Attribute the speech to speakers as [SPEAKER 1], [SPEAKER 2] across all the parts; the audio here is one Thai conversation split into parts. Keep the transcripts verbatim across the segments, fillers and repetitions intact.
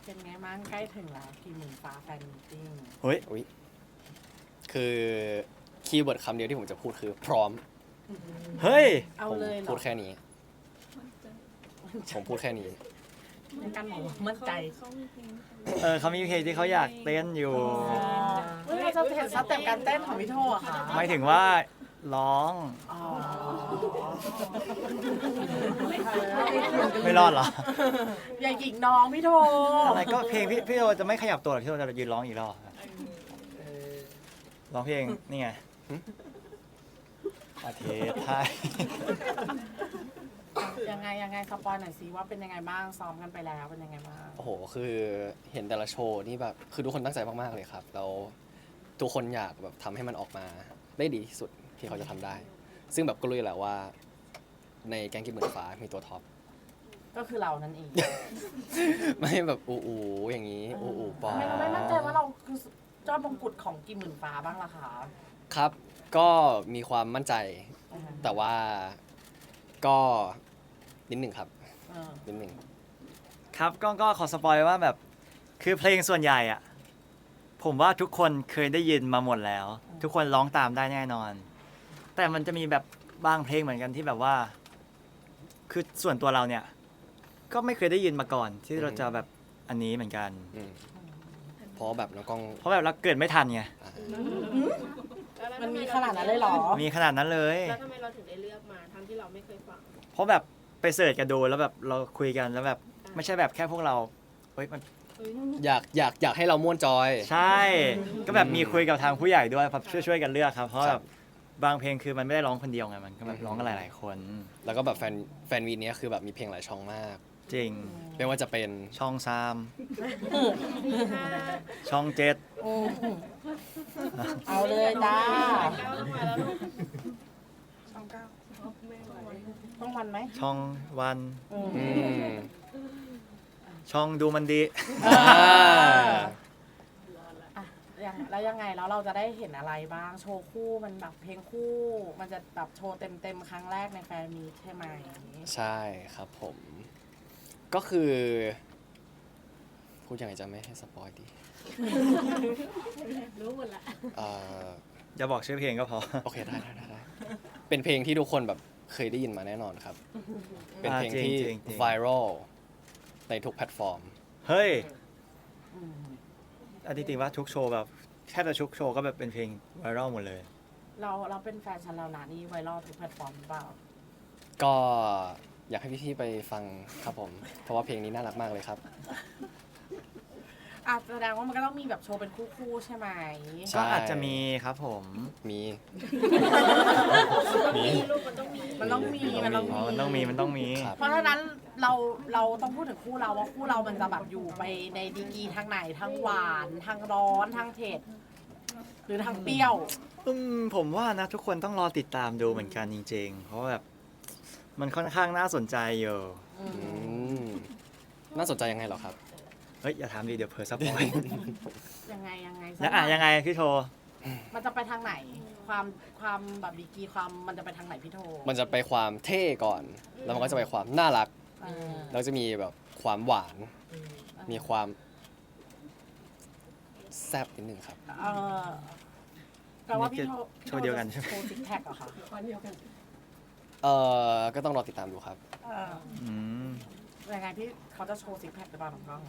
[SPEAKER 1] เป็นไงบ้างใกล้ถึงแล้วกี่หมื่นฟ้าแฟนมีตติ้ง
[SPEAKER 2] เฮ้ย
[SPEAKER 3] อุ๊ยคือคีย์เวิร์ดคำเดียวที่ผมจะพูดคือพร้อม
[SPEAKER 2] เฮ้ย
[SPEAKER 1] เอา
[SPEAKER 3] ผม
[SPEAKER 1] เลยเหรอ
[SPEAKER 3] พูดแค่นี้ ผมพูดแค่นี้
[SPEAKER 1] ในการบอกว่ามั่นใจ
[SPEAKER 2] เออเขามีเพลงที่เขาอยากเต้นอยู่
[SPEAKER 1] เฮ้ยเราจะเห็นสเต็ปการเต้นของพี่โทอะค่ะ
[SPEAKER 2] ไม่ถึงว่าร้อง
[SPEAKER 1] อ๋อ
[SPEAKER 2] ไม่รอดเหรอ
[SPEAKER 1] อย่าหยิงน้องพี่โท
[SPEAKER 2] อะไรก็เพลงพี่พี่โอจะไม่ขยับตัวหรอกพี่โอจะยืนร้องอีกรอบร้องเพลงนี่ไงประเทศไทย
[SPEAKER 1] ยังไงยังไงสปอยหน่อยสิว่าเป็นยังไงบ้างซ้อมกันไปแล้วเป็นยังไงบ้าง
[SPEAKER 3] โอ้โห คือเห็นแต่ละโชว์นี่แบบ คือทุกคนตั้งใจมากๆเลยครับ แล้วทุกคนอยากแบบทำให้มันออกมาได้ดีที่สุดที่เขาจะทำได้ ซึ่งแบบก็รู้อยู่แหละว่า ในแก๊งกิมหมื่นฟ้ามีตัวท็อป
[SPEAKER 1] ก็คือเรานั่นเอง
[SPEAKER 3] ไม่แบบอูอูอย่างนี้ อูอูปอ
[SPEAKER 1] ทำไมเราไม่มั่นใจว่าเราคือยอดมงกุฎของกี่หมื่นฟ้าบ้างล่ะคะ
[SPEAKER 3] ครับ ก็มีความมั่นใจ แต่ว่าก็นิดหนึ่งครับ
[SPEAKER 1] เออ
[SPEAKER 3] นิดหนึ่ง
[SPEAKER 2] ครับก็ก็ขอสปอยว่าแบบคือเพลงส่วนใหญ่อะผมว่าทุกคนเคยได้ยินมาหมดแล้ว ทุกคนร้องตามได้แน่นอน แต่มันจะมีแบบบางเพลงเหมือนกันที่แบบว่า คือส่วนตัวเราเนี่ย ก็ไม่เคยได้ยินมาก่อน ที่เราจะแบบอันนี้เหมือนกัน
[SPEAKER 3] อืมเพราะแบบน้องกล้อง
[SPEAKER 2] เพราะแบบเราเกิดไม่ทันไง
[SPEAKER 3] อ่า
[SPEAKER 1] มันมีขนาดนั้นเลยเหรอ
[SPEAKER 2] มีขนาดนั้นเลย
[SPEAKER 4] แล้วทำไมเราถึงได้เลือกมาทั้งที่เราไม่เคยฟัง
[SPEAKER 2] เพราะแบบไปเสิร์ชกันดูแล้วแบบเราคุยกันแล้วแบบไม่ใช่แบบแค่พวกเราเฮ้ยมัน
[SPEAKER 3] อยากอยากอยากให้เราม่วนจอย
[SPEAKER 2] ใช่ ก็แบบมีคุยกับทางผู้ใหญ่ด้วยครับช่วยช่วยกันเลือกครับ เพราะ
[SPEAKER 3] ค
[SPEAKER 2] แบ
[SPEAKER 3] รั
[SPEAKER 2] บบ บางเพลงคือมันไม่ได้ร้องคนเดียวไงมันก็แบบร้องกันหลาย ๆ คน
[SPEAKER 3] แล้วก็แบบแฟนแฟนวีเนี้ยคือแบบมีเพลงหลายช่องมาก
[SPEAKER 2] จริง
[SPEAKER 3] ไม่ว่าจะเป็น
[SPEAKER 2] ช่องสามช่องเจ็ด
[SPEAKER 1] อืมเอาเลยจ้า
[SPEAKER 4] ก้าวมาแล้ว
[SPEAKER 1] ช่องเก้าต้องวันไหม
[SPEAKER 2] ช่องวัน
[SPEAKER 1] อืม
[SPEAKER 3] อืม
[SPEAKER 2] ช่องดูมันดี
[SPEAKER 3] อ่า
[SPEAKER 1] อ่ะยังแล้วยังไงแล้วเราจะได้เห็นอะไรบ้างโชว์คู่มันแบบเพลงคู่ มันจะแบบโชว์เต็มเต็มๆครั้งแรกในแฟนมีตใช่ไหม
[SPEAKER 3] ใช่ครับผม ก็คือ พูดยังไงจะไม่ให้สปอยดี
[SPEAKER 4] รู้หมดละ
[SPEAKER 3] เอ่อ
[SPEAKER 2] อย่าบอกชื่อเพลงก็พอ
[SPEAKER 3] โอเคได้ได้ได้ได้เป็นเพลงที่ทุกคนแบบเคยได้ยินมาแน่นอนครับ เป็นเพลง
[SPEAKER 2] อ่าจริง
[SPEAKER 3] ที่
[SPEAKER 2] จริงจริง
[SPEAKER 3] ไวรัลในทุกแพลตฟอร์ม
[SPEAKER 2] เฮ้ย
[SPEAKER 1] อืม
[SPEAKER 2] อันที่จริงว่าทุกโชว์แบบแทบจะทุกโชว์ก็แบบเป็นเพลงไวรัลหมดเลย
[SPEAKER 1] เราเราเป็นแฟนฉันแล้วนะนี่ไวรัลทุกแพลตฟอร์มหรือเปล่า
[SPEAKER 3] ก็อยากให้พี่ๆไปฟังครับผม เพราะว่าเพลงนี้น่ารักมากเลยครับ
[SPEAKER 1] อ่ะแสดงว่ามันก็ต้องมีแบบโชว์เป็นคู่ๆใช่ไหม
[SPEAKER 3] ใช่
[SPEAKER 2] ก็อาจจะมีครับผม
[SPEAKER 3] มี
[SPEAKER 4] มีลูกมันต้องมี
[SPEAKER 1] มันต้องมีมันต้อง
[SPEAKER 2] อ๋
[SPEAKER 1] มี
[SPEAKER 2] อมันต้องมีมันต้องมี
[SPEAKER 3] ครับ
[SPEAKER 1] เพราะฉะนั้นเราเราต้องพูดถึงคู่เราว่าคู่เรามันจะแบบอยู่ไปในดีกรีทางไหนทั้งหวานทั้งร้อนทั้งเผ็ดหรือทั้งเปรี้ยว
[SPEAKER 2] อืมผมว่านะทุกคนต้องรอติดตามดูเหมือนกันจริงๆ เพราะว่าแบบมันค่อนข้างน่าสนใจอยู่
[SPEAKER 1] อื
[SPEAKER 3] อื
[SPEAKER 1] ม
[SPEAKER 3] มน่าสนใจยังไงเหรอครับ
[SPEAKER 2] เฮ้ยอย่าถามดิเดี๋ยวเผลอสปอย
[SPEAKER 1] ยังไงยังไง
[SPEAKER 2] แล้วอ่ะยังไงพี่โท
[SPEAKER 1] มันจะไปทางไหน ความความแบบดีกรีความมันจะไปทางไหนพี่โท
[SPEAKER 3] มันจะไปความเท่ก่อน แล้วมันก็จะไปความน่ารัก
[SPEAKER 1] เออ
[SPEAKER 3] แล้วจะมีแบบความหวาน มีความแซ่บนิดนึงครับ
[SPEAKER 1] เออแปลว่าพี่โท
[SPEAKER 2] โชว์เดียวกันใช่ไหม
[SPEAKER 1] โชว์ซิกแพคเหรอคะ
[SPEAKER 3] เออก็ต้องรอติดตามดูครับ
[SPEAKER 1] เออ
[SPEAKER 2] อืม
[SPEAKER 1] ยังไงพี่เขาจะโชว์ซิกแพคหรือเปล่าน้องกล้อง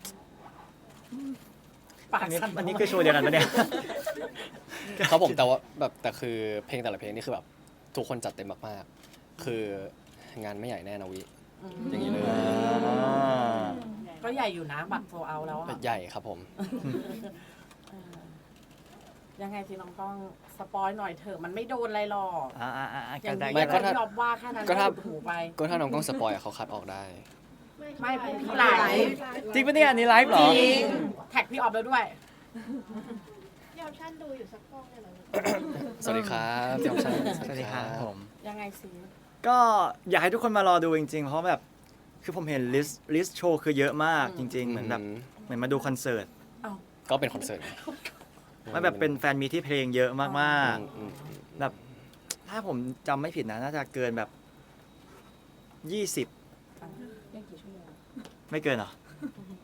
[SPEAKER 1] ปาก
[SPEAKER 2] อันนี้
[SPEAKER 1] สั่น
[SPEAKER 2] อันนี้คือโชว์เดียวกันปะเนี่ย
[SPEAKER 3] ครับผมแต่ว่าแบบแต่คือเพลงแต่ละเพลงนี่คือแบบทุกคนจัดเต็มมากๆ คืองานไม่ใหญ่แน่นะวิ
[SPEAKER 1] อืม
[SPEAKER 3] อย่างนี้เลย
[SPEAKER 2] อ่า
[SPEAKER 1] ก็ใหญ่อยู่นะบัตรโซเอาแล้วอะ
[SPEAKER 3] ใหญ่ครับผม
[SPEAKER 1] เออยังไงสิน้องกล้องสปอยหน่อยเถอะมันไม่โดนอะไรหรอก
[SPEAKER 2] อ่าอ่าอ่า
[SPEAKER 1] อ
[SPEAKER 2] กั
[SPEAKER 1] ย่าน ง
[SPEAKER 2] ได้
[SPEAKER 1] นี้
[SPEAKER 3] ไม่
[SPEAKER 2] กัน
[SPEAKER 3] ก็
[SPEAKER 2] ได้
[SPEAKER 3] ถ้า
[SPEAKER 1] ที่ยอมว่าแค่นั้น
[SPEAKER 3] ก็ถ้า
[SPEAKER 1] หลุดหูไป
[SPEAKER 3] ก็ถ้าน้องกล้องสปอยอะเขาคัดออกได้
[SPEAKER 1] ไม่พี่ไลฟ์
[SPEAKER 2] จริงปะเนี่ยอันนี้ไลฟ์เหร
[SPEAKER 1] จ
[SPEAKER 2] อ
[SPEAKER 1] ริงแท็กพี่ออฟแล้วด้วย
[SPEAKER 4] ยอมชั่นดูอยู่สักกล้องเนี่ยเหรอ
[SPEAKER 3] สวัสดีครับพี่ออมชัน
[SPEAKER 2] สวัสดีครับผม
[SPEAKER 1] ยังไงสิ
[SPEAKER 2] ก็อยากให้ทุกคนมารอดูจริงๆ เพราะแบบคือผมเห็นลิสต์ลิสต์โชว์คือเยอะมากจริง ๆ เหมือนแบบเหมือนมาดูคอนเสิร์ต
[SPEAKER 3] ก็เป็นคอนเสิร์ต
[SPEAKER 2] มันแบบเป็นแฟนมีที่เพลงเยอะมาก
[SPEAKER 3] อืมอืม
[SPEAKER 2] ๆ แบบถ้าผมจำไม่ผิดนะน่าจะเกินแบบยี่สิบไม่เกินเหรอ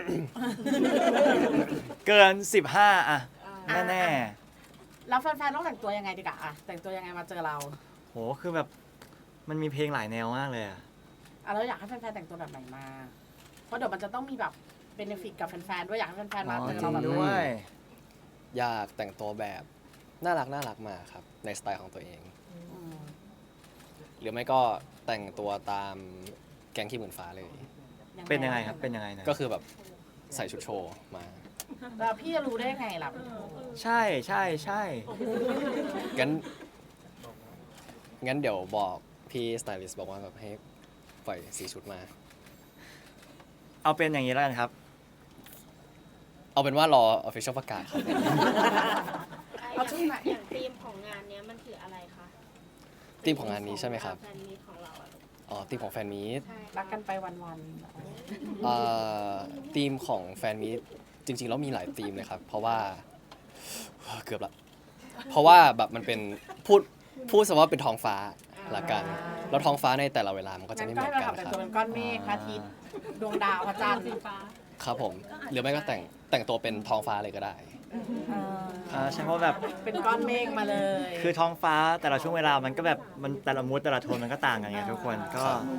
[SPEAKER 2] เกินสิบห้าอะแน่
[SPEAKER 1] แล้วแฟนๆต้องแต่งตัวยังไงดีกะอะแต่งตัวยังไงมาเจอเรา
[SPEAKER 2] ๆโหคือแบบมันมีเพลงหลายแนวมากเลยอะ
[SPEAKER 1] อ่ะแล้วอยากให้แฟนๆแต่งตัวแบบไหนมา เพราะเดี๋ยวมันจะต้องมีแบบเบนฟิตกับแฟนๆด้วยอยากให้แฟนๆมา
[SPEAKER 2] อ๋อ
[SPEAKER 1] เจอ
[SPEAKER 2] จริ
[SPEAKER 1] เรา
[SPEAKER 2] ง
[SPEAKER 1] แบบ
[SPEAKER 2] ด้วย
[SPEAKER 3] อยากแต่งตัวแบบน่ารักน่ารักมาครับในสไตล์ของตัวเอง
[SPEAKER 1] อืม
[SPEAKER 3] หรือไม่ก็แต่งตัวตามแก๊งขี้หมื่นฟ้าเลย
[SPEAKER 2] เป็นยังไงครับเป็นยังไงนะ
[SPEAKER 3] ก็คือแบบใส่ชุดโชว์มา
[SPEAKER 1] แล้วพี่จะรู้ได้ไงล่ะ
[SPEAKER 2] ใช่ใช่ใช่
[SPEAKER 3] งั้นงั้นเดี๋ยวบอกพี่สไตลิสต์บอกว่าแบบให้ปล่อยสีชุดมา
[SPEAKER 2] เอาเป็นอย่างนี้แล้วกันครับ
[SPEAKER 3] เอาเป็นว่ารอ official ประกาศครับ
[SPEAKER 4] เอาชุดไหนอย่างธีมของงานเนี้ยมันคืออะไรคะ
[SPEAKER 3] ธีมของงานนี้ใช่ไหมครับ
[SPEAKER 4] แฟนมีตของเราอะ
[SPEAKER 3] อ๋อธีมของแฟนมีต
[SPEAKER 4] ใช่
[SPEAKER 1] รักกันไปวัน
[SPEAKER 3] เอ่อธีมของแฟนมีตจริงๆแล้วมีหลายธีมเลยครับ เพราะว่าเกือบละเพราะว่าแบบมันเป็นพูดพูดซะว่าเป็นท้องฟ้าละกัน แล้วท้องฟ้าในแต่ละเวลามันก็
[SPEAKER 1] ๆ
[SPEAKER 3] จะ
[SPEAKER 1] งั้น
[SPEAKER 3] ไม่เห
[SPEAKER 1] ก็
[SPEAKER 3] มื
[SPEAKER 1] ให้
[SPEAKER 3] อน
[SPEAKER 1] เรา
[SPEAKER 3] กัน
[SPEAKER 1] ทำแต่ง
[SPEAKER 3] ครับ
[SPEAKER 1] ตัวเป็นก้อนเมฆพระอาทิตย์ดวงดาวพระจันทร์
[SPEAKER 3] ครับผมหรือไม่ก็แต่งแต่งตัวเป็นท้องฟ้าเลยก็ได้
[SPEAKER 2] อ่าใช่เพราะแบบ
[SPEAKER 1] เป็นก้อนเมฆมาเลย
[SPEAKER 2] คือท้องฟ้าแต่ละช่วงเวลามันก็แบบมันแต่ละมูดแต่ละโทนมันก็ต่างกันไงทุกคนก็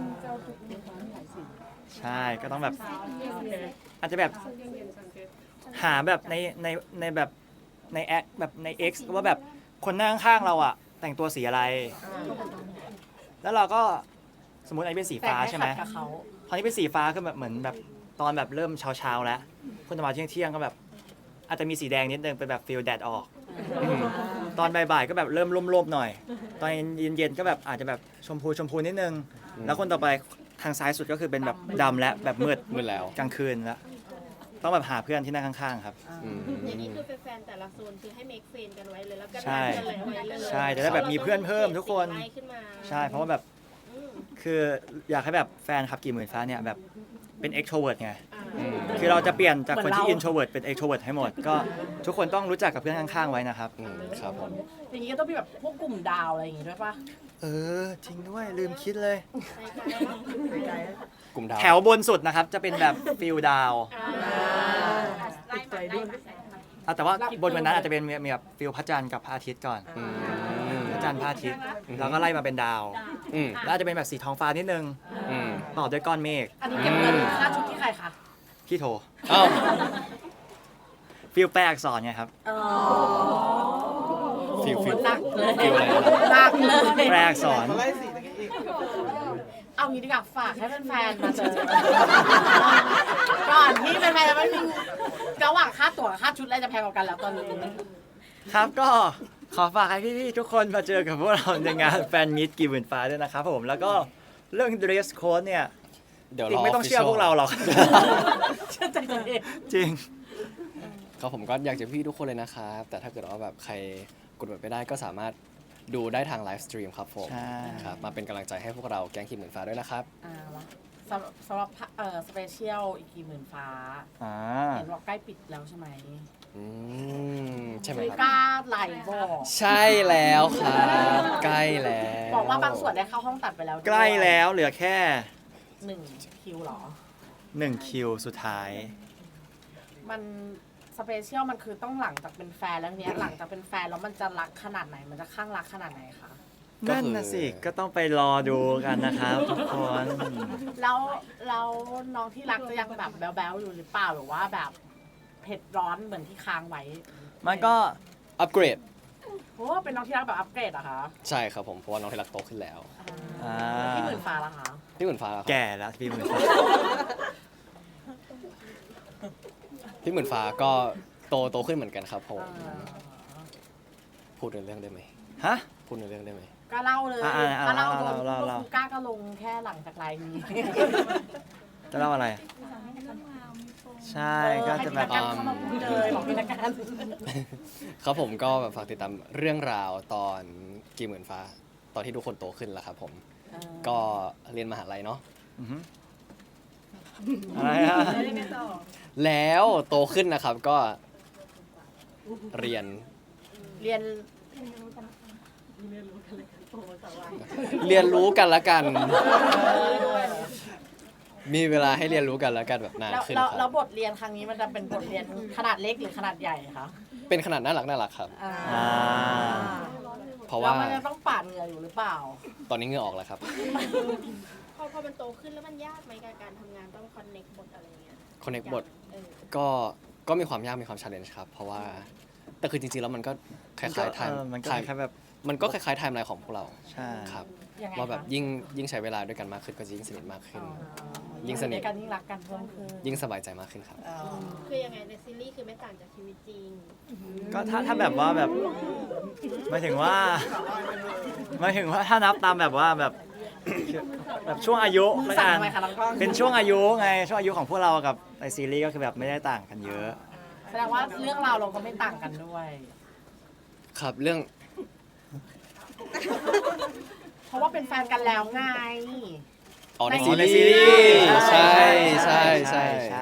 [SPEAKER 2] ใช่ก็ต้องแบบอาจจะแบบหาแบบในในในแบบในแอคแบบใน X ว่าแบบคนนั่งข้างๆเราอะแต่งตัวสีอะไร แล้วเราก็สมมติอันนี้เป็นสี
[SPEAKER 1] แต่ง
[SPEAKER 2] ฟ้า
[SPEAKER 1] ให้
[SPEAKER 2] ใช่ไหม
[SPEAKER 1] ขัดกับเขา
[SPEAKER 2] พอนี้เป็นสีฟ้าคือแบบเหมือนแบบตอนแบบเริ่มเช้าๆแล้วคนจะมาเที่ยงเที่ยงๆก็แบบอาจจะมีสีแดงนิดนึงเป็นแบบฟิลแดดออกอืมตอนบ่ายๆก็แบบเริ่มร่มๆหน่อย ตอนเย็นๆก็แบบอาจจะแบบชมพูชมพูนิดนึง
[SPEAKER 3] อืม
[SPEAKER 2] แล้วคนต่อไปทางซ้ายสุดก็คือเป็นแบบดำและแบบมืด
[SPEAKER 3] มืดแล้ว
[SPEAKER 2] กลางคืนแล้วต้องแบบหาเพื่อนที่นั่งข้างๆครับ
[SPEAKER 3] อืม
[SPEAKER 4] อย่างนี้คือแฟนๆแต่ละโซนคือให้เมคเฟนกันไว้เลยแล้วก็
[SPEAKER 2] ใช่
[SPEAKER 4] นัดกันเลยไว้เลย
[SPEAKER 2] ใช่จะได้แบบมีเพื่อนเพิ่มทุกคน
[SPEAKER 4] ไล่ขึ้นมา
[SPEAKER 2] ใช่เพราะว่าแบบ
[SPEAKER 4] อืม
[SPEAKER 2] คืออยากให้แบบแฟนคลับกี่หมื่นฟ้าเนี่ยแบบเป็น extrovert ไง
[SPEAKER 3] อืม
[SPEAKER 2] คือเราจะเปลี่ยนจากคนที่ introvert เป็น extrovert ให้หมด ก็ทุกคนต้องรู้จักกับเพื่อนข้างๆไว้นะครับ
[SPEAKER 3] อืมครับผม
[SPEAKER 1] อย่างนี้ก็ต้องมีแบบพวกกลุ่มดาวอะไรอย่างงี้ด้วยปะ
[SPEAKER 2] เออ จริงด้วยลืมคิดเลย
[SPEAKER 3] กลุ่มดาว
[SPEAKER 2] แถวบนสุดนะครับ จะเป็นแบบฟิลดาว
[SPEAKER 1] ติดใจด้วย
[SPEAKER 2] อ่ะแต่ว่าบนวันนั้นอาจจะเป็นมีมีแบบฟิลพระจันทร์กับพระอาทิตย์ก่อน
[SPEAKER 3] อืม
[SPEAKER 2] พระจันทร์พระอาทิตย์แล้วก็ไล่มาเป็นดาว
[SPEAKER 3] อืม
[SPEAKER 2] แล้วอาจจะเป็นแบบสีท้องฟ้านิดนึง
[SPEAKER 3] อืม
[SPEAKER 2] ต่อด้วยก้อนเมฆ
[SPEAKER 1] อันนี้เก็บเงินค่าชุดที่ใครคะ
[SPEAKER 2] พี่โท
[SPEAKER 3] เอ้า
[SPEAKER 2] ฟิลแปลอักษรไงครับ
[SPEAKER 1] อ๋อ
[SPEAKER 3] ฟิลฟิล
[SPEAKER 1] หนักเลย
[SPEAKER 3] ฟิลอะไรนะ
[SPEAKER 1] หนักเลย
[SPEAKER 2] แปลอักษร
[SPEAKER 1] เอางี้ดีกว่าฝากให้แฟนๆมาเจอ ก่อนที่แฟนๆจะไม่มีระหว่างค่าตั๋วกับค่าชุดอะไรจะแพงกว่ากันแล้วตอนนี้
[SPEAKER 2] ครับก็ขอฝากให้พี่ๆทุกคนมาเจอกับพวกเราในงานแฟนมิตกี่หมื่นฟ้าด้วยนะครับผมแล้วก็เรื่อง dress code เนี่ย
[SPEAKER 3] เดี๋ยวร
[SPEAKER 2] ติ๊ก
[SPEAKER 3] อ
[SPEAKER 2] ไม่ต้องเชื่อ
[SPEAKER 3] official
[SPEAKER 2] พวกเราหรอก
[SPEAKER 1] เชื่อใจตัวเอง
[SPEAKER 2] จริง
[SPEAKER 3] ครับผมก็อยากจะพี่ทุกคนเลยนะครับ แต่ถ้าเกิดว่าแบบใครกดบัตรไม่ได้ก็สามารถดูได้ทางไลฟ์สตรีมครับผม
[SPEAKER 2] ใช่
[SPEAKER 3] ครับมาเป็นกำลังใจให้พวกเราแก๊งขีดหมื่นฟ้าด้วยนะครับ
[SPEAKER 1] อ่าละสำหรับสำหรับเอ่อสเปเชียลอีกกี่หมื่นฟ้า
[SPEAKER 2] อ่า
[SPEAKER 1] เห็นว่าใกล้ปิดแล้วใช่ไหม
[SPEAKER 3] อืมใช่ไหม
[SPEAKER 1] ไม่
[SPEAKER 3] ครับ
[SPEAKER 1] กล้าไหลบอก
[SPEAKER 3] ใช่แล้วครับใกล้แล้ว
[SPEAKER 1] บอกว่าบางส่วนได้เข้าห้องตัดไปแล้วด้วย
[SPEAKER 2] ใกล้แล้วเหลือแค่
[SPEAKER 1] หนึ่งคิวเหรอ
[SPEAKER 2] หนึ่งคิวสุดท้าย
[SPEAKER 1] มันสเปเชียลมันคือต้องหลังจากเป็นแฟนแล้วเนี้ย หลังจากเป็นแฟนแล้วมันจะรักขนาดไหน มันจะข้างรักขนาดไหนคะ
[SPEAKER 2] นั่นนะสิ ก็ต้องไปรอดูกันนะครับทุกคน
[SPEAKER 1] แล้วแล้วน้องที่รักจะยังแบบแบ๊วๆอยู่หรือเปล่าหรือว่าแบบเผ็ดร้อนเหมือนที่ค้างไว้
[SPEAKER 2] มันก็
[SPEAKER 3] อัปเกรด
[SPEAKER 1] โอ้เป็นน้องที่รักแบบอัปเกรดเหรอะคะ
[SPEAKER 3] ใช่ครับผมเพราะว่าน้องที่รักโตขึ้นแล้ว
[SPEAKER 2] อ่า
[SPEAKER 1] ที่หมื่นฟ้าละคะ
[SPEAKER 3] พี่หมื่นฟ้าล่ะครับ
[SPEAKER 2] แก่แล้วพี่หมื่นฟ้า
[SPEAKER 3] พี่หมื่นฟ้าก็โตโตขึ้นเหมือนกันครับผม
[SPEAKER 1] อ่า
[SPEAKER 3] พูดในเรื่องได้ไหม
[SPEAKER 2] ฮะ
[SPEAKER 3] พูดในเรื่องได้ไหม
[SPEAKER 1] ก็เล่าเลย
[SPEAKER 2] อ่าอ่าอ่า
[SPEAKER 1] ก็เล่า
[SPEAKER 2] เล่า
[SPEAKER 1] โดน
[SPEAKER 2] เล่า
[SPEAKER 1] พวก
[SPEAKER 2] เล่า
[SPEAKER 1] ครูก้าก็ลงแค่หลังจากไลน์นี้
[SPEAKER 2] จะเล่าอะไร ใช่ก็จะแบบ
[SPEAKER 1] ให้พี่นักการเข้ามาพูดเลยบอกพี่นักการ
[SPEAKER 3] ครับผมก็แบบฝากติดตามเรื่องราวตอนกี่หมื่นฟ้า ตอนที่ทุกคนโตขึ้นแล้วครับผม ก็เรียนมหาลัยเนาะ
[SPEAKER 2] อือหืออะไรฮะ
[SPEAKER 3] แล้วโตขึ้นนะครับก็เรียน
[SPEAKER 1] เรียน
[SPEAKER 3] เรียนรู้กันละกันมีเวลาให้เรียนรู้กันแล้วกันแบบนาน
[SPEAKER 1] แล้ว
[SPEAKER 3] ขึ้น
[SPEAKER 1] แล้ว
[SPEAKER 3] ค
[SPEAKER 1] แล้
[SPEAKER 3] รั
[SPEAKER 1] ว
[SPEAKER 3] บบ
[SPEAKER 1] ทเรียนครั้งนี้มันจะเป็นบทเรียนขนาดเล็กหรือขนาดใหญ่คะ
[SPEAKER 3] เป็นขนาดน่ารักน่ารักครับ
[SPEAKER 1] อ่า
[SPEAKER 2] อ่า
[SPEAKER 3] เพราะ
[SPEAKER 1] แล้ว
[SPEAKER 3] ว่า
[SPEAKER 1] มันจะต้องปาดเหงื่ออยู่หรือเปล่า
[SPEAKER 3] ตอนนี้เหงื่อออกแล้วครับ
[SPEAKER 4] พอพอมันโตขึ้นแล้วมันยากไหมกับการทำงานต้องคอนเน็กบทอะไรเงี้ย
[SPEAKER 3] connect บท
[SPEAKER 4] เออ
[SPEAKER 3] ก็ก็มีความยากมีความ challenge ครับ เพราะว่าแต่คือจริงๆแล้วมันก็คล้ายๆไทม์
[SPEAKER 2] เออมันก็
[SPEAKER 3] ไทม์
[SPEAKER 2] คล้ายๆแบบ
[SPEAKER 3] มันก็คล้ายๆไทม์ไลน์ของพวกเรา
[SPEAKER 2] ใช่
[SPEAKER 3] ครับ
[SPEAKER 1] ยังไง
[SPEAKER 3] ว่าแบบ
[SPEAKER 1] คะ
[SPEAKER 3] ยิ่งยิ่งใช้เวลาด้วยกันมากขึ้นก็จะยิ่งสนิทมากขึ้น
[SPEAKER 1] อ๋อ
[SPEAKER 3] ยิ่งสนิท
[SPEAKER 1] อกันยิ่งรักกันเพิ่มขึ้น
[SPEAKER 3] ยิ่งสบายใจมากขึ้นครับ
[SPEAKER 1] อ๋อ
[SPEAKER 4] คือยังไงในซีรีส์คือไม่ต่างจากชีวิตจริง
[SPEAKER 2] ก็ถ้าถ้าแบบว่าแบบหมายถึงว่าหมายถึงว่าถ้านับตามแบบว่าแบบแบบช่วงอายุละ
[SPEAKER 1] สั่ง
[SPEAKER 2] กัน
[SPEAKER 1] ทำไมคะน้องกล้อง
[SPEAKER 2] เป็นช่วงอายุไงช่วงอายุของพวกเรากับในซีรีส์ก็คือแบบไม่ได้ต่างกันเยอะ
[SPEAKER 1] แสดงว่าเรื่องราวเราก็ไม่ต่างกันด้วย
[SPEAKER 3] ครับเรื่อง
[SPEAKER 1] เพราะว่าเป็นแฟนกันแล้วไง
[SPEAKER 3] อ๋อใน
[SPEAKER 1] ใน
[SPEAKER 3] ซี
[SPEAKER 2] ใน
[SPEAKER 3] รี
[SPEAKER 2] ซีรี
[SPEAKER 3] ส์
[SPEAKER 2] ส์
[SPEAKER 3] ใช่ใช่ใช่
[SPEAKER 2] ใช่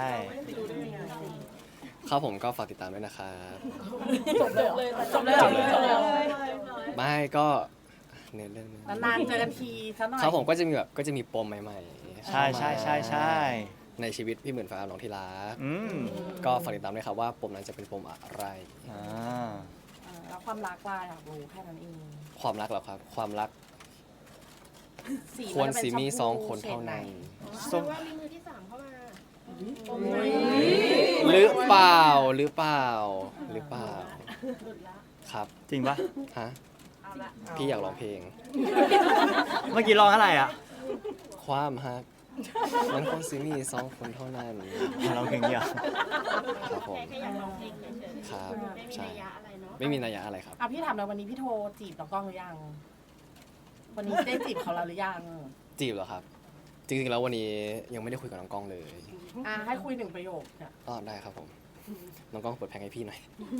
[SPEAKER 3] ครับผมก็ฝากติดตามด้วยนะครับ
[SPEAKER 1] จบเลยจบเลยเหรอจบเลยเหรอ
[SPEAKER 3] ไม่ก็เน้นเรื่องนึง
[SPEAKER 1] นานๆเจอกันทีซะหน่อย
[SPEAKER 3] ครับผมก็จะมีแบบก็จะมีปมใหม่ๆ
[SPEAKER 2] ใช่ใช่ใช่ใช่
[SPEAKER 3] ในชีวิตพี่หมื่นฟ้าน้องที่รัก
[SPEAKER 2] อืม
[SPEAKER 3] ก็ฝากติดตามด้วยครับว่าปมนั้นจะเป็นปมอะไร
[SPEAKER 2] อ่า
[SPEAKER 1] เออแล้วความรักล่ะอยากรู้แค่นั้นเอง
[SPEAKER 3] ความรักเหรอครับ ความรัก
[SPEAKER 1] สี
[SPEAKER 3] ควร
[SPEAKER 1] นจะ
[SPEAKER 3] สี
[SPEAKER 1] เป็น
[SPEAKER 3] มี
[SPEAKER 1] ช
[SPEAKER 3] สอง
[SPEAKER 1] พู
[SPEAKER 3] คนเท่านั้น
[SPEAKER 4] แสดงว่ามีมือที่สามเข้ามาโอ้ย
[SPEAKER 3] หรือเปล่าหรือเปล่าหรือเปล่าครับ
[SPEAKER 2] จริงปะ
[SPEAKER 3] ฮะพี่อยากร้องเพลง
[SPEAKER 2] เมื่อกี้ร้องอะไรอ่ะ
[SPEAKER 3] ความฮักมันคนสีมีสองคนเท่านั้น
[SPEAKER 2] ร้องเพลงเดียว
[SPEAKER 3] ครับผม
[SPEAKER 4] แค่แค่อยากร้องเพลงเฉยๆ
[SPEAKER 3] ครับ
[SPEAKER 4] ไม่มี
[SPEAKER 3] ใช่
[SPEAKER 4] นัยยะอะไรเนาะ
[SPEAKER 3] ไม่มีนัยยะอะไรครับ
[SPEAKER 1] อ่ะพี่ถามเลยวันนี้พี่โทรจีบน้องกล้องหรือยัง วันนี้ได้จีบเขาแล้วหรือยัง
[SPEAKER 3] จีบเหรอครับ จริงๆแล้ววันนี้ยังไม่ได้คุยกับน้องกล้องเลย
[SPEAKER 1] อ่ะให้คุยหนึ่งประโยคเนี่ย
[SPEAKER 3] อ๋อได้ครับผม น้องกล้องเปิดแพงให้พี่หน่อย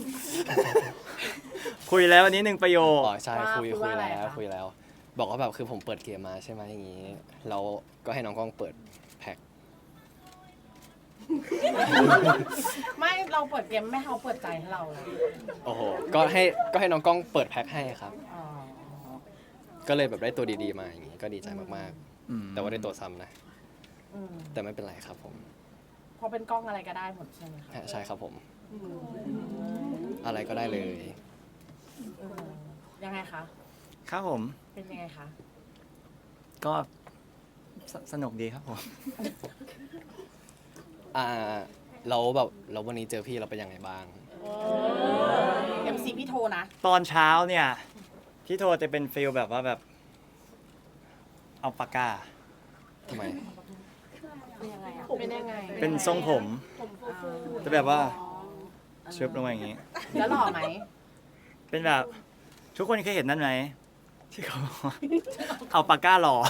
[SPEAKER 2] คุยแล้ววันนี้หนึ่งประโยค
[SPEAKER 3] อ๋อใช่คุยคุยแล้วคุยแล้ว บอกว่าแบบคือผมเปิดเกมมาใช่ไหมอย่างนี้เราก็ให้น้องกล้องเปิดแพ็ค
[SPEAKER 1] ไม่เราเปิดเกมไม่ให้เขาเปิดใจให้เราเลย
[SPEAKER 3] โอ้โหก็ให้ก็ให้น้องกล้องเปิดแพ็คให้ครับ
[SPEAKER 1] อ๋อ
[SPEAKER 3] ก็เลยแบบได้ตัวดีๆมาอย่างนี้ก็ดีใจมาก
[SPEAKER 2] อืม
[SPEAKER 3] ๆ แต่ว่าได้ตัวซ้ำนะ
[SPEAKER 1] อืม
[SPEAKER 3] แต่ไม่เป็นไรครับผม
[SPEAKER 1] พอเป็นกล้องอะไรก็ได้หมดใช่ไหมคะ
[SPEAKER 3] ฮะใช่ครับผม อะไรก็ได้เลย
[SPEAKER 1] เออยังไงคะ
[SPEAKER 2] ครับผม
[SPEAKER 1] เป็นยังไงคะ
[SPEAKER 2] ก็สสนุกดีครับผม
[SPEAKER 3] อ่าเราแบบเราวันนี้เจอพี่เราเป็นยังไงบ้าง
[SPEAKER 1] เอ็มซีพี่โทรนะ
[SPEAKER 2] ตอนเช้าเนี่ยพี่โทรจะเป็นฟิลแบบว่าแบบ เอาปากกา
[SPEAKER 3] ทำไม
[SPEAKER 1] เป็นยังไงอะเป็นยังไง
[SPEAKER 2] เป็นทรงผม
[SPEAKER 1] ผมฟู
[SPEAKER 2] จะแบบว่าชึบลงมาอย่างนี้
[SPEAKER 1] แล้วหล่อไหม
[SPEAKER 2] เป็นแบบ ทุกคนเคยเห็นนั่นไหมที่เขาบอกว่าเอาปากกาหล่อ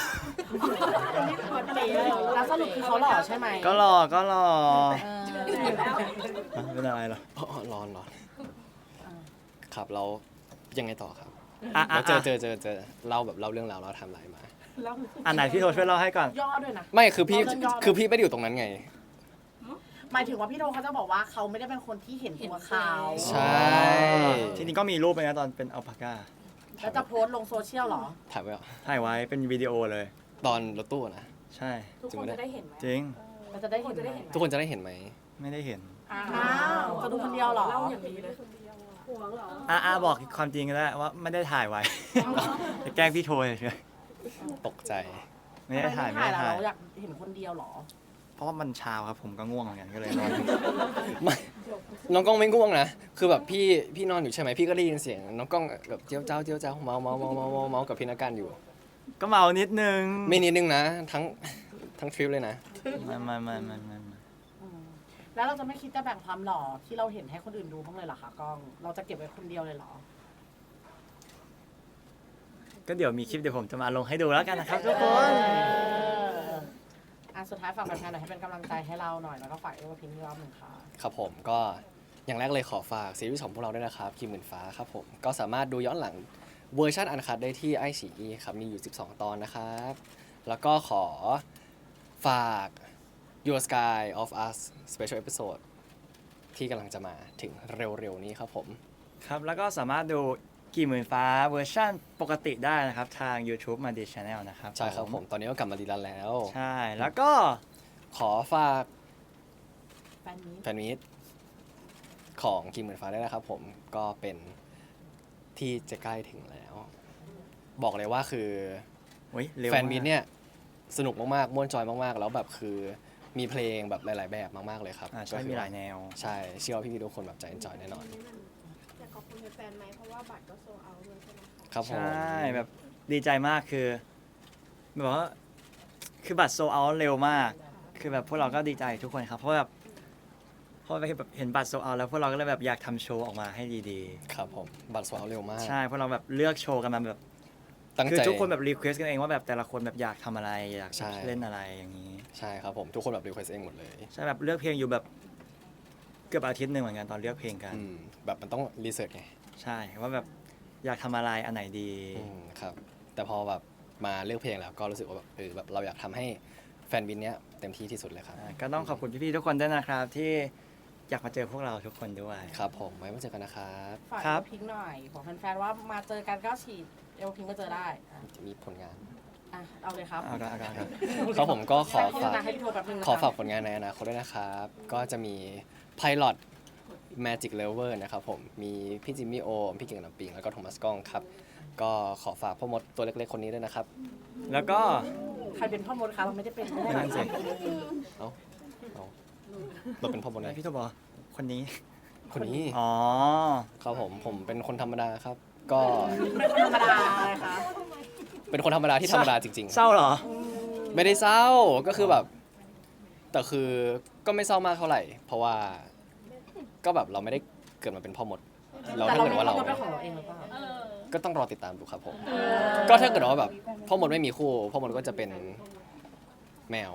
[SPEAKER 1] แล้วสรุปคือเขาหล่อใช่ไหม
[SPEAKER 2] ก็หล่อก็หล่อ
[SPEAKER 1] เออ
[SPEAKER 2] เป็นอะไรเหรอ
[SPEAKER 3] อ๋อร้อนร้อนครับเรายังไงต่อครับ
[SPEAKER 2] อ่ะอ่ะ
[SPEAKER 3] เราเจอ
[SPEAKER 2] อ่ะ
[SPEAKER 3] เจอเจอเจอเล่าแบบเล่าเรื่องราวเราทำอะไรมา
[SPEAKER 2] อันไหนพี่โทรช่วยเล่าให้ก่อน
[SPEAKER 1] ย่อด้วยนะ
[SPEAKER 3] ไม่คือพี่
[SPEAKER 1] เราเรื่องย่อ
[SPEAKER 3] คือพี่ไม่ได้อยู่ตรงนั้นไง
[SPEAKER 1] หมายถึงว่าพี่โทเขาจะบอกว่าเขาไม่ได้เป็นคนที่เห็นตัวเขา
[SPEAKER 3] ใช่
[SPEAKER 2] ทีนี้ก็มีรูปไปนะตอนเป็นอัลปาก้า
[SPEAKER 1] แล้วจะโพสต์ลงโซเชียลเหรอ
[SPEAKER 3] ถ่ายไว้เหรอ
[SPEAKER 2] ถ่ายไว้เป็นวิดีโอเลย
[SPEAKER 3] ตอนรถตู้นะ
[SPEAKER 2] ใช่
[SPEAKER 5] ทุกคนจะได้เห็นไหม
[SPEAKER 2] จริง
[SPEAKER 1] เราจะได้เห็นไหม
[SPEAKER 3] ทุกคนจะได้เห็นไหม
[SPEAKER 2] ไม่ได้เห็น
[SPEAKER 1] อ้าวจะดูคนเดียวเหรอ
[SPEAKER 5] เล่าอย่างนี้เลยห่วงเหรอ
[SPEAKER 2] อ่ะอ่ะบอกความจริงก็ได้ว่าไม่ได้ถ่ายไว้ จะแกล้งพี่โทรเฉย
[SPEAKER 3] ตกใจ
[SPEAKER 2] ๆไม่ได้ถ่ายไม่ได้
[SPEAKER 1] แล้ว
[SPEAKER 2] ถ่าย
[SPEAKER 1] เราอยากเห็นคนเดียวเหรอ
[SPEAKER 2] เพราะว่ามันเช้าครับผมก็ง่วงเหมือนกันก็เลยนอน
[SPEAKER 3] ไม่ น้องกล้องไม่ง่วงนะ คือแบบพี่พี่นอนอยู่ใช่ไหมพี่ก็ได้ยินเสียง น้องกล้องแบบเจียวเจ้าเจียวเจ้าเมาเมาเมาเมาเมาเมากับพี่นักการอยู่
[SPEAKER 2] ก็เมานิดนึง
[SPEAKER 3] ไม่นิดนึงนะ ทั้งทั้งทริปเลยนะ
[SPEAKER 2] ไมามามามามามา
[SPEAKER 1] อืมแล้วเราจะไม่คิดจะแบ่งความหล่อที่เราเห็นให้คนอื่นดูบ้างเลยเหรอคะกล้อง เราจะเก็บไว้คนเดียวเลยเหรอ
[SPEAKER 2] ก็เดี๋ยวมีคลิปเดี๋ยวผมจะมาลงให้ดูแล้วกันนะครับทุกคน
[SPEAKER 1] เอออ่ะสุดท้ายฝากแฟนๆหน่อยให้เป็นกำลังใจให้เราหน่อยแล้วก็ฝากเอวพิมพ์รอบหนึ่งค่ะ
[SPEAKER 3] ครับผมก็อย่างแรกเลยขอฝากซีรีส์ของพวกเราด้วยนะครับคิมหมื่นฟ้าครับผมก็สามารถดูย้อนหลังเวอร์ชันอันคัดได้ที่ไอซีอีครับมีอยู่สิบสองตอนนะครับ แล้วก็ขอฝาก Your Sky of Us Special Episode ที่กำลังจะมาถึงเร็วๆนี้ครับผม
[SPEAKER 2] ครับแล้วก็สามารถดูกี่หมื่นฟ้าเวอร์ชั่นปกติได้นะครับ ทาง YouTube มาดี Channel นะครับ
[SPEAKER 3] ใช่ครับผมตอนนี้ก็กลับมาดีแล้วแล้ว
[SPEAKER 2] ใช่แล้วก็
[SPEAKER 3] ขอฝาก
[SPEAKER 1] แฟนนี้
[SPEAKER 3] แฟนมีตของกิมเหมือนฟ้าได้นะครับผมก็เป็นที่จะใกล้ถึงแล้ว บอกเลยว่าคือ
[SPEAKER 2] โอ้ยเร็ว
[SPEAKER 3] แฟนมีต
[SPEAKER 2] าก
[SPEAKER 3] เนี่ยสนุกมากๆม่วนจอยมากๆ แล้วแบบคือมีเพลงแบบหลาย ๆ แบบมากๆเลยครับ
[SPEAKER 2] อ่าใช่
[SPEAKER 3] ก็คือ
[SPEAKER 2] มีหลายแนว
[SPEAKER 3] ใช่เชื่อว่าพี่ๆทุกคนแบบจะเอนจอยแน่นอน
[SPEAKER 4] อยากขอบคุณแฟนๆไหมเพราะว่าบัตรก็โซเอาด้วยใช่ไหมคะ
[SPEAKER 3] ครับผม
[SPEAKER 2] ใช่แบบดีใจมากคือแบบว่าคือบัตรโซเอาเร็วมาก คือแบบพวกเราก็ดีใจทุกคนครับเพราะแบบเพราะแบบเห็นบัตรโซเอาแล้วพวกเราก็เลยแบบอยากทำโชว์ออกมาให้ดี
[SPEAKER 3] ครับผมบัตรโซเอาเร็วมาก
[SPEAKER 2] ๆใช่เพราะเราแบบเลือกโชว์กันมาแบบ
[SPEAKER 3] ตั้ง
[SPEAKER 2] คือ
[SPEAKER 3] ใจ
[SPEAKER 2] ทุกคนแบบรีเควสกันเองว่าแบบแต่ละคนแบบอยากทำอะไรอยาก
[SPEAKER 3] ใช่
[SPEAKER 2] เล่นอะไรอย่างนี้
[SPEAKER 3] ใช่ครับผมทุกคนแบบรีเควสเองหมดเลย
[SPEAKER 2] ใช่แบบเลือกเพลงอยู่แบบเกือบอาทิตย์หนึ่งเหมือนกันตอนเลือกเพลงกัน
[SPEAKER 3] อืมแบบมันต้องรีเสิร์ชไง
[SPEAKER 2] ใช่ว่าแบบอยากทำอะไรอันไหนดี
[SPEAKER 3] อืมครับแต่พอแบบมาเลือกเพลงแล้วก็รู้สึกว่าแบบเออแบบเราอยากทำให้แฟนบินเนี้ยเต็มที่ที่สุดเลยครับ
[SPEAKER 2] อ่าก็ต้องขอบคุณพี่ๆทุกคนด้วยนะครับ ที่อยากมาเจอพวกเราทุกคนด้วย
[SPEAKER 3] ครับผมไว้มาเจอกันนะครับ
[SPEAKER 1] ฝาก
[SPEAKER 2] ครั
[SPEAKER 1] เอบ ลพิงค์หน่อยบอกแฟนๆว่ามาเจอกันก็ฉีดเอลพิงค์ก็เจอได้อ่ะ
[SPEAKER 3] จะมีผลงาน
[SPEAKER 1] อ่ะเอาเลยครับ
[SPEAKER 2] เอาละเอาละเอาละ
[SPEAKER 3] ครับผมก็ขอ
[SPEAKER 1] ให้
[SPEAKER 3] ฝาก
[SPEAKER 1] นะให้พี่โทรแป๊บนึงนะ
[SPEAKER 3] ขอฝาก
[SPEAKER 1] ครับ
[SPEAKER 3] ผลงานในอนาคตด้วยนะครับ ก็จะมี Pilot Magic Lover นะครับผม มีพี่จิมมี่โอม พี่เก่งน้ำปิง แล้วก็โทมัสก้องครับ ก็ขอฝากพ่อมดตัวเล็กๆ คนนี้ด้วยนะครับ
[SPEAKER 2] แล้วก็
[SPEAKER 1] ใครเป็นพ่อมดคะเราไม่ได้เป็นไม่ได้
[SPEAKER 2] นั่นสิ
[SPEAKER 3] เอ้าเอาเราเป็นพ่อมด
[SPEAKER 2] ไหน
[SPEAKER 3] ไง
[SPEAKER 2] พี่โทบอกคนนี้
[SPEAKER 3] คนนี้
[SPEAKER 2] อ๋อ
[SPEAKER 3] ครับผม ผมเป็นคนธรรมดาครับ ก็
[SPEAKER 1] เป็นคนธรรมดาเลยค่ะ
[SPEAKER 3] เป็นคนธรรมดาที่ธรรมดาจริง
[SPEAKER 2] เศร้าเหรอ
[SPEAKER 3] ๆ ไม่ได้เศร้า ก็คือแบบ แต่คือก็ไม่เศร้ามากเท่าไหร่ เพราะว่า ก็แบบเราไม่ได้เกิดมาเป็นพ่อมด เรา
[SPEAKER 1] แต่
[SPEAKER 3] ถ้า
[SPEAKER 1] เรา
[SPEAKER 3] เกิด
[SPEAKER 1] มี
[SPEAKER 3] ว่า
[SPEAKER 1] พ่อ
[SPEAKER 3] เรา
[SPEAKER 1] มดเป็นของเราเองหรือเปล่า
[SPEAKER 3] ก็ต้องรอติดตามดูครับผม ก็ถ้าเกิดว่าแบบพ่อมดไม่มีคู่พ่อมดก็จะเป็นแมว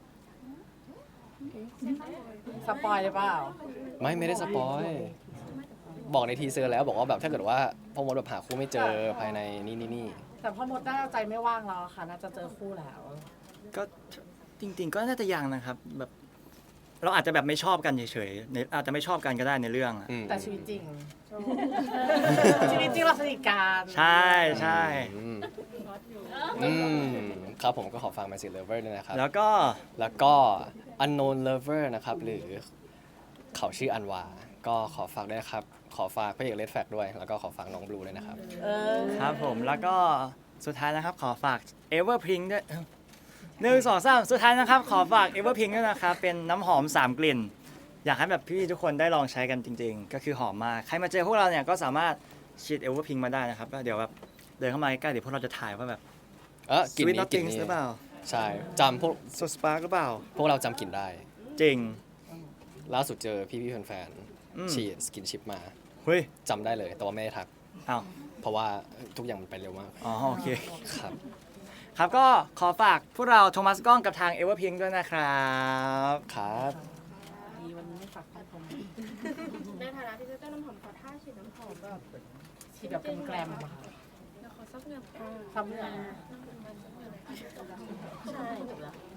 [SPEAKER 1] สปอยเลยเปล่า
[SPEAKER 3] ไม่ไม่ได้สปอย บอกในทีเซอร์แล้วบอกว่าแบบถ้าเกิดว่าพ่อมดแบบหาคู่ไม่เจอภายในนี่นี่นี่
[SPEAKER 1] แต่พ่อมดน่าจะใจไม่ว่างแล้วค่ะ น่าจะเจอคู่แล้ว
[SPEAKER 2] ก็จริง ๆ ก็น่าจะยังนะครับ แบบ เราอาจจะแบบไม่ชอบกันเฉยๆในอาจจะไม่ชอบกันก็ได้ในเรื่องอะ
[SPEAKER 3] อืม
[SPEAKER 1] แต่ชีวิตจริง ชีวิตจริงเราสนิทกัน
[SPEAKER 2] ใช่ใช่
[SPEAKER 3] อืมอืมครับผมก็ขอฟัง Magic Lover ด้วยนะครับ
[SPEAKER 2] แล้วก็
[SPEAKER 3] แล้วก็ Unknown Lover นะครับ หรือเขาชื่ออันวา ก็ขอฝากด้วยนะครับ ขอฝากพระเอกเลดแฟกด้วย แล้วก็ขอฝากน้องบลูด้วยนะครับ
[SPEAKER 1] เออ
[SPEAKER 2] ครับผมแล้วก็สุดท้ายนะครับขอฝาก Everpink ด้วยหนึ่งสองสามสุดท้ายนะครับ ขอฝาก Everpink ด้วยนะครับ เป็นน้ำหอมสามกลิ่น อยากให้แบบพี่ๆทุกคนได้ลองใช้กันจริง ๆ ก็คือหอมมาก ใครมาเจอพวกเราเนี่ยก็สามารถฉีด Everpink มาได้นะครับแล้วเดี๋ยวแบบเดินเข้ามาใกล้ๆเดี๋ยวพวกเราจะถ่ายว่าแบบ
[SPEAKER 3] เออกลิ่น
[SPEAKER 2] Sweet
[SPEAKER 3] นี้กลิ่น
[SPEAKER 2] Nothings
[SPEAKER 3] นี้
[SPEAKER 2] หรือเปล่า
[SPEAKER 3] ใช่จำพวก
[SPEAKER 2] So Spark หรือเปล่า
[SPEAKER 3] พวกเราจำกลิ่นได้
[SPEAKER 2] จริง
[SPEAKER 3] ล่าสุดเจอพี่ๆแฟน
[SPEAKER 2] อืม
[SPEAKER 3] ๆฉีดสกินชิปมา
[SPEAKER 2] เฮ้ย
[SPEAKER 3] จำได้เลย แต่ว่าไม่ได้ทัก
[SPEAKER 2] อ้าว
[SPEAKER 3] เพราะว่าทุกอย่างมันไปเร็วมาก
[SPEAKER 2] อ๋อโอเค
[SPEAKER 3] ครับ
[SPEAKER 2] ครับก็ขอฝากพวกเราโทมัสก้องกับทาง Everpink ด้วยนะครับ
[SPEAKER 3] ครับ
[SPEAKER 1] ดีวันนี้ไม่ฝากพี่ผม
[SPEAKER 4] ในฐานะพรีเซนเตอร์น้ำหอมขอท่าฉีดน้ำหอมแบบ
[SPEAKER 1] ฉีดแบบแกลมๆอะค่ะ
[SPEAKER 4] เดี๋ยวขอสักหนึ่ง
[SPEAKER 1] ทำเรื่อง
[SPEAKER 4] ใช่